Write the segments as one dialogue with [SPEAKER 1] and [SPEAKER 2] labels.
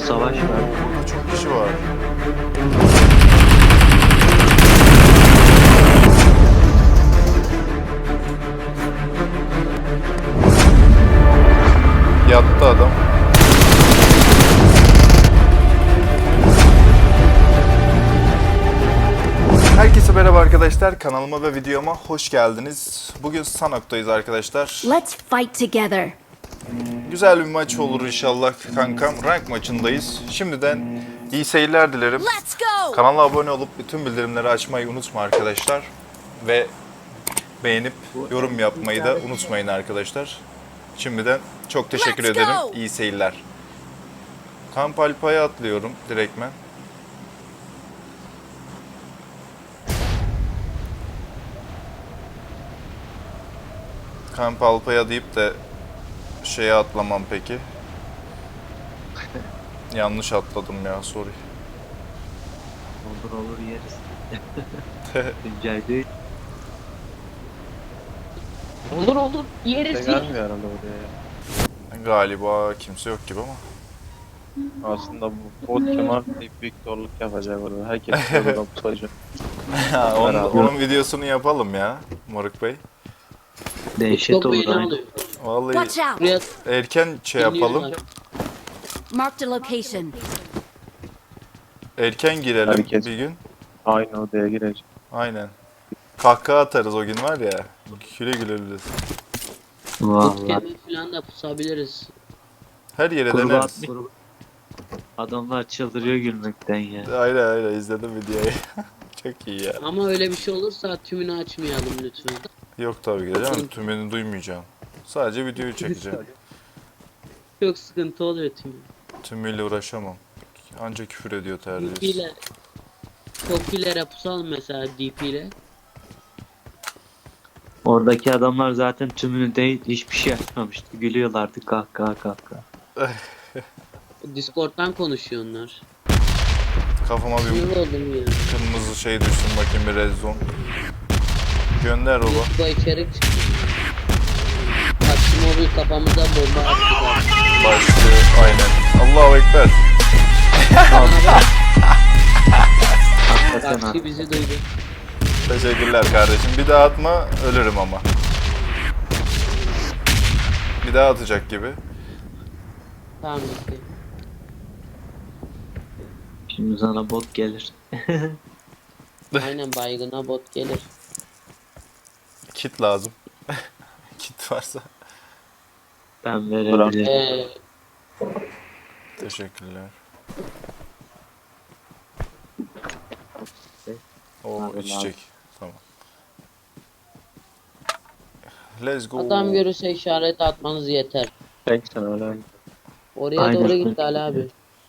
[SPEAKER 1] savaş var.
[SPEAKER 2] Burada çok kişi var. Yattı adam. Herkese merhaba arkadaşlar. Kanalıma ve videoma hoş geldiniz. Bugün Sanok'tayız arkadaşlar.
[SPEAKER 3] Let's fight together.
[SPEAKER 2] Güzel bir maç olur inşallah kankam. Rank maçındayız. Şimdiden iyi seyirler dilerim.
[SPEAKER 3] Let's go.
[SPEAKER 2] Kanala abone olup bütün bildirimleri açmayı unutma arkadaşlar. Ve beğenip yorum yapmayı da unutmayın arkadaşlar. Şimdiden çok teşekkür
[SPEAKER 3] Let's
[SPEAKER 2] ederim.
[SPEAKER 3] go.
[SPEAKER 2] İyi seyirler. Kamp Alpa'ya atlıyorum direktmen. Kamp Alpa'ya deyip de şeye atlamam peki. Yanlış atladım ya, sorry.
[SPEAKER 1] Olur yeriz. Güncel değil.
[SPEAKER 4] Olur yeriz.
[SPEAKER 5] Gelmiyor herhalde oraya.
[SPEAKER 2] Galiba kimse yok gibi ama.
[SPEAKER 5] Aslında bu bot kemer büyük zorluk yapacak orada. Herkes orada tutacak.
[SPEAKER 2] onun videosunu yapalım ya Moruk Bey.
[SPEAKER 1] Dehşet
[SPEAKER 4] Çok
[SPEAKER 1] olur
[SPEAKER 4] beğeni
[SPEAKER 1] aynı.
[SPEAKER 4] alıyor.
[SPEAKER 2] Vallahi
[SPEAKER 3] Watch out.
[SPEAKER 4] Buraya
[SPEAKER 2] erken şey yapalım.
[SPEAKER 4] dinliyorlar.
[SPEAKER 3] Marked a location.
[SPEAKER 2] Erken girelim
[SPEAKER 5] Herkes.
[SPEAKER 2] bir gün.
[SPEAKER 5] Aynı odaya girecek.
[SPEAKER 2] Aynen. Kahkaha atarız o gün var ya. Güle güleriz.
[SPEAKER 1] Vallahi.
[SPEAKER 4] Bootcamp'e falan da pusabiliriz.
[SPEAKER 2] Her yere
[SPEAKER 1] Kurban,
[SPEAKER 2] deneriz.
[SPEAKER 1] adamlar çıldırıyor gülmekten ya.
[SPEAKER 2] Aynen izledim videoyu. Çok iyi ya.
[SPEAKER 4] Ama öyle bir şey olursa tümünü açmayalım lütfen.
[SPEAKER 2] Yok tabii ki de canım, tümünü duymayacağım. Sadece videoyu çekeceğim.
[SPEAKER 4] Çok sıkıntı oluyor tümü.
[SPEAKER 2] Tümüyle uğraşamam. Ancak küfür ediyor
[SPEAKER 4] DP
[SPEAKER 2] terbiyesiz.
[SPEAKER 4] ile Topilere pusalım mesela DP ile.
[SPEAKER 1] Oradaki adamlar zaten tümünü değil hiçbir şey yapmamıştı. Gülüyorlardı kahkaha.
[SPEAKER 4] Discord'dan konuşuyor onlar.
[SPEAKER 2] Kafama bir
[SPEAKER 4] Sinir oldum ya.
[SPEAKER 2] kırmızı şey düşsün bakayım, bir red zone. Gönder baba.
[SPEAKER 4] Bu içerik çıktı. Taksimobil kafamıza bomba attılar.
[SPEAKER 2] Başlıyor. Aynen. Allahu Ekber.
[SPEAKER 1] Hakikaten
[SPEAKER 4] Taksi bizi duydu.
[SPEAKER 2] Teşekkürler kardeşim. Bir daha atma, ölürüm ama. Bir daha atacak gibi.
[SPEAKER 4] Tamam gitti.
[SPEAKER 1] Şimdi sana bot gelir.
[SPEAKER 4] Aynen baygına bot gelir.
[SPEAKER 2] Kit lazım. Kit varsa.
[SPEAKER 1] Ben verebilirim.
[SPEAKER 2] Teşekkürler. O
[SPEAKER 1] Abi,
[SPEAKER 2] içecek. Tamam. Let's go.
[SPEAKER 4] Adam görürse işaret atmanız yeter.
[SPEAKER 5] Tek sen öyle.
[SPEAKER 4] Oraya
[SPEAKER 1] Aynen.
[SPEAKER 4] doğru gitti Ali abi.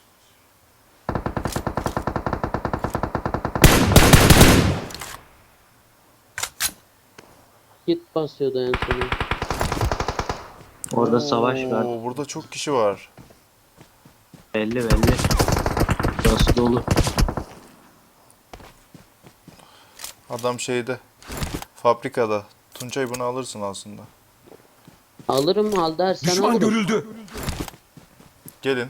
[SPEAKER 4] Git basıyordu en sonu.
[SPEAKER 1] Orada savaş var.
[SPEAKER 2] Oo, burada çok kişi var.
[SPEAKER 1] Belli. Burası dolu.
[SPEAKER 2] Adam şeyde. Fabrikada. Tuncay bunu alırsın aslında.
[SPEAKER 4] Alırım al dersen
[SPEAKER 6] Düşman
[SPEAKER 4] alırım.
[SPEAKER 6] görüldü.
[SPEAKER 2] Gelin.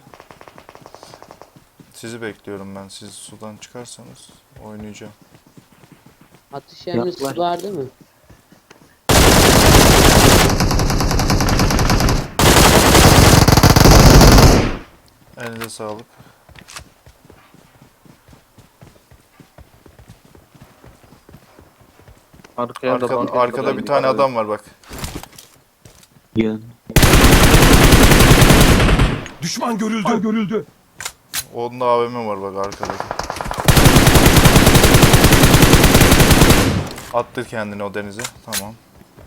[SPEAKER 2] Sizi bekliyorum ben. Siz sudan çıkarsanız oynayacağım.
[SPEAKER 4] Atış emrisi
[SPEAKER 1] Yaklaş.
[SPEAKER 4] var değil mi?
[SPEAKER 2] Elinize sağlık. Arkada bir tane adam var bak.
[SPEAKER 1] Yön.
[SPEAKER 6] Düşman görüldü.
[SPEAKER 2] Onun da AVM var bak arkada. Attı kendini o denize. Tamam.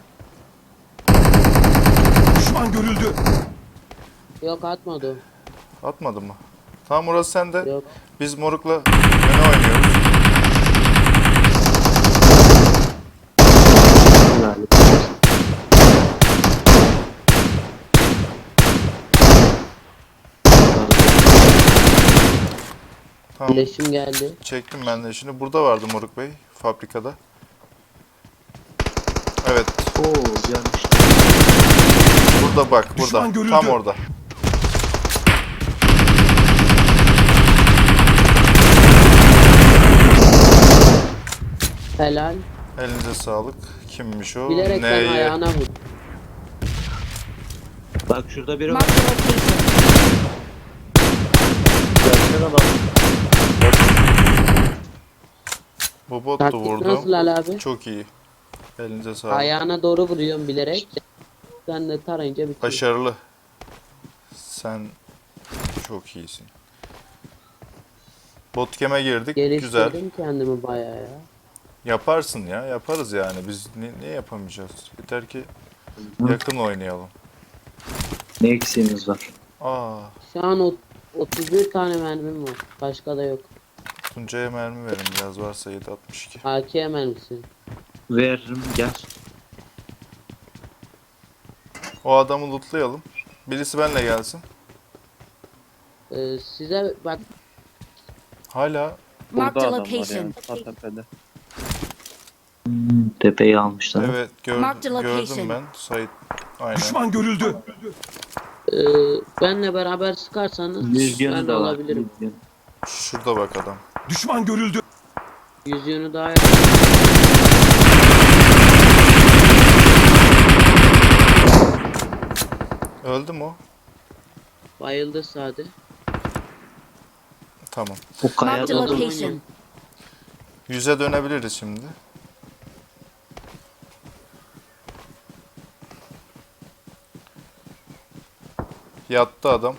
[SPEAKER 6] Düşman görüldü.
[SPEAKER 4] Yok atmadı o.
[SPEAKER 2] Atmadın mı? Tamam, orası sende.
[SPEAKER 4] Yok.
[SPEAKER 2] Biz Moruk'la yöne oynuyoruz. Tamam.
[SPEAKER 4] Birleşim geldi.
[SPEAKER 2] Çektim ben de şimdi. Burada vardı Moruk Bey. Fabrikada. Evet.
[SPEAKER 1] Oo yanlış.
[SPEAKER 2] Burada bak. Burada.
[SPEAKER 6] Düşman görüldü.
[SPEAKER 2] Tam orada.
[SPEAKER 4] Helal.
[SPEAKER 2] Elinize sağlık. Kimmiş o?
[SPEAKER 4] Bilerek ben
[SPEAKER 2] Neye?
[SPEAKER 4] ayağına vurdum.
[SPEAKER 1] Bak şurada biri var.
[SPEAKER 3] Marked a location.
[SPEAKER 5] Gerçek adam.
[SPEAKER 2] Bu bottu
[SPEAKER 4] Taktik
[SPEAKER 2] vurdu.
[SPEAKER 4] nasıl Ali abi?
[SPEAKER 2] Çok iyi. Elinize sağlık.
[SPEAKER 4] Ayağına doğru vuruyorum bilerek. Sen de tarayınca bitiyor.
[SPEAKER 2] Başarılı. Sen çok iyisin. Bootcamp'e girdik. Güzel.
[SPEAKER 4] Geliştirdim kendimi bayağı ya.
[SPEAKER 2] Yaparsın ya. Yaparız yani. Biz niye yapamayacağız? Yeter ki yakın oynayalım.
[SPEAKER 1] Ne eksiğimiz var?
[SPEAKER 2] Aa,
[SPEAKER 4] Şu an 31 tane mermim var. Başka da yok.
[SPEAKER 2] Tuncay'a mermi verin biraz varsa 7.62.
[SPEAKER 4] AK mermisi.
[SPEAKER 1] Veririm gel.
[SPEAKER 2] O adamı lootlayalım. Birisi benimle gelsin.
[SPEAKER 4] Size bak
[SPEAKER 2] Hala
[SPEAKER 3] Marked
[SPEAKER 5] Burada
[SPEAKER 3] a
[SPEAKER 5] adam var yani.
[SPEAKER 3] location.
[SPEAKER 5] Sağ tepede.
[SPEAKER 1] Tepeyi almışlar.
[SPEAKER 2] evet
[SPEAKER 3] Marked the
[SPEAKER 2] gördüm
[SPEAKER 3] location.
[SPEAKER 2] ben. Sait aynen.
[SPEAKER 6] Düşman görüldü.
[SPEAKER 4] benle beraber sıkarsanız
[SPEAKER 1] Yüz
[SPEAKER 4] ben
[SPEAKER 1] yanı
[SPEAKER 4] de
[SPEAKER 1] da var.
[SPEAKER 4] alabilirim.
[SPEAKER 1] 100 yanı.
[SPEAKER 2] Şurada bak adam.
[SPEAKER 6] Düşman görüldü.
[SPEAKER 4] 100 yönü daha
[SPEAKER 2] Öldü mü o?
[SPEAKER 4] bayıldı sade.
[SPEAKER 2] Tamam.
[SPEAKER 1] O
[SPEAKER 3] Marked a
[SPEAKER 1] kayada da
[SPEAKER 3] location.
[SPEAKER 2] 100'e dönebiliriz şimdi. Yattı adam.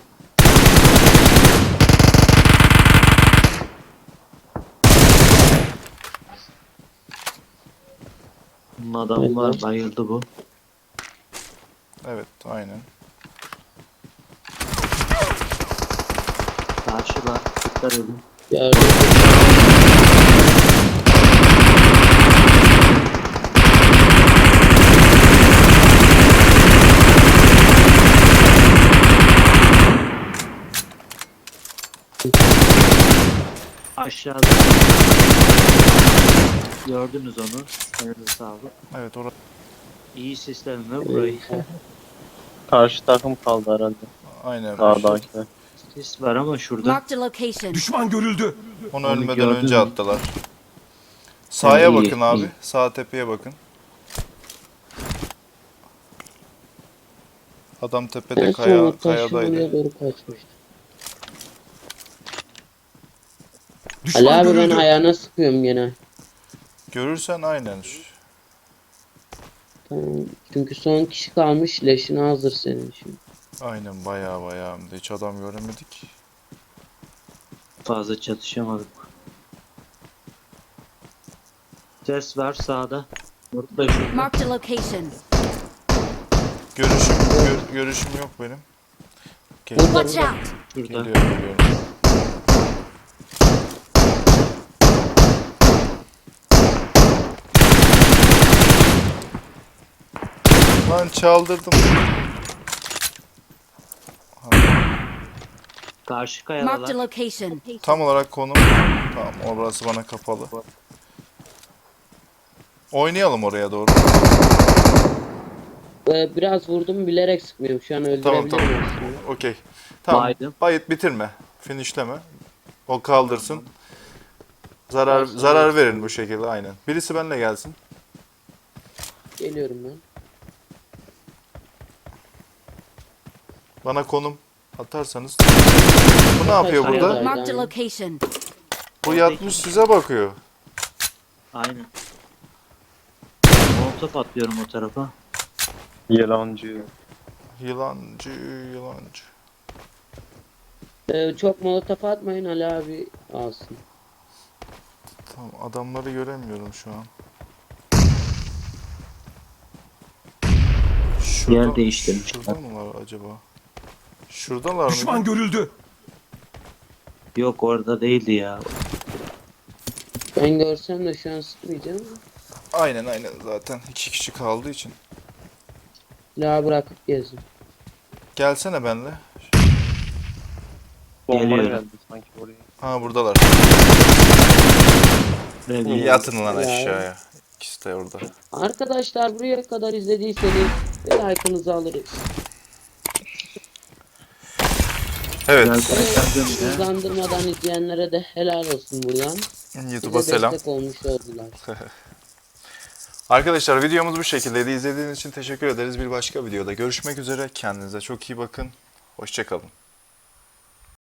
[SPEAKER 1] bunun adamı var. Bayıldı bu.
[SPEAKER 2] Evet aynen.
[SPEAKER 1] Karşılar. Dikkat edin.
[SPEAKER 4] Gördüm.
[SPEAKER 1] Aşağıda. Gördünüz onu. Elinize sağlık.
[SPEAKER 2] Evet orada.
[SPEAKER 1] İyi sistemle burayı.
[SPEAKER 5] Karşı takım kaldı herhalde.
[SPEAKER 2] Aynen.
[SPEAKER 5] Sağdakiler.
[SPEAKER 1] Sis var ama şurada.
[SPEAKER 3] Marked a location.
[SPEAKER 6] Düşman görüldü.
[SPEAKER 2] Onu
[SPEAKER 1] Onu
[SPEAKER 2] ölmeden
[SPEAKER 1] gördün
[SPEAKER 2] önce
[SPEAKER 1] mü?
[SPEAKER 2] attılar. Sağa
[SPEAKER 1] iyi,
[SPEAKER 2] bakın abi.
[SPEAKER 1] iyi.
[SPEAKER 2] Sağ tepeye bakın. Adam tepede
[SPEAKER 4] En son o taşın
[SPEAKER 2] kayadaydı.
[SPEAKER 4] oraya doğru kaçmıştı.
[SPEAKER 6] Düşman
[SPEAKER 4] Ali abi ben
[SPEAKER 6] görüldü.
[SPEAKER 4] ayağına sıkıyorum gene.
[SPEAKER 2] Görürsen aynen.
[SPEAKER 4] Tamam. Çünkü son kişi kalmış leşine hazır senin için.
[SPEAKER 2] Aynen bayağı hem de hiç adam göremedik.
[SPEAKER 1] Fazla çatışamadık. Ses var sağda. Burada şurada.
[SPEAKER 3] Marked a location.
[SPEAKER 2] Görüşüm yok benim.
[SPEAKER 3] Watch out.
[SPEAKER 1] Şurada.
[SPEAKER 2] Geliyorum. Lan çaldırdım.
[SPEAKER 1] Karşı
[SPEAKER 3] Marked a
[SPEAKER 1] kayalar.
[SPEAKER 3] location.
[SPEAKER 2] Tam olarak konum. Tamam orası bana kapalı. Oynayalım oraya doğru.
[SPEAKER 4] Biraz vurdum bilerek sıkmıyorum. Şu an öldürebilirim
[SPEAKER 2] Tamam.
[SPEAKER 4] aslında.
[SPEAKER 2] Okey. Tamam.
[SPEAKER 1] Baydım.
[SPEAKER 2] Bayıt bitirme. Finishleme. O kaldırsın. Zarar verin bu şekilde aynen. Birisi benimle gelsin.
[SPEAKER 4] Geliyorum ben.
[SPEAKER 2] Bana konum atarsanız. Bu ne yapıyor
[SPEAKER 4] Hayır,
[SPEAKER 2] burada?
[SPEAKER 4] hayır.
[SPEAKER 3] Marked a location.
[SPEAKER 2] Bu yatmış size bakıyor.
[SPEAKER 1] Aynen. Molotof atlıyorum o tarafa.
[SPEAKER 5] Yalancı.
[SPEAKER 2] Yılancı.
[SPEAKER 4] Çok molotof atmayın Ali abi alsın.
[SPEAKER 2] Tamam adamları göremiyorum şu an.
[SPEAKER 1] Yer değiştirmişler.
[SPEAKER 2] Şurada mı var acaba? Şuradalar
[SPEAKER 6] Düşman
[SPEAKER 2] mı?
[SPEAKER 6] görüldü.
[SPEAKER 1] Yok orada değildi ya.
[SPEAKER 4] Ben görsem de şu an sıkmayacağım.
[SPEAKER 2] Aynen zaten 2 kişi kaldığı için.
[SPEAKER 4] Silahı bırakıp gezin.
[SPEAKER 2] Gelsene benle.
[SPEAKER 5] Bomba
[SPEAKER 1] Geliyorum.
[SPEAKER 5] geldi sanki oraya.
[SPEAKER 2] Ha buradalar.
[SPEAKER 1] Buraya
[SPEAKER 2] Yatın lan
[SPEAKER 4] Ya.
[SPEAKER 2] aşağıya. İkisi de orada.
[SPEAKER 4] Arkadaşlar buraya kadar izlediyseniz like'ınızı alırız.
[SPEAKER 2] Evet.
[SPEAKER 1] Gel,
[SPEAKER 4] Hızlandırmadan izleyenlere de helal olsun buradan.
[SPEAKER 2] YouTube'a
[SPEAKER 4] Bize
[SPEAKER 2] selam.
[SPEAKER 4] destek olmuş oldular.
[SPEAKER 2] Arkadaşlar videomuz bu şekildeydi. İzlediğiniz için teşekkür ederiz. Bir başka videoda görüşmek üzere. Kendinize çok iyi bakın. Hoşça kalın.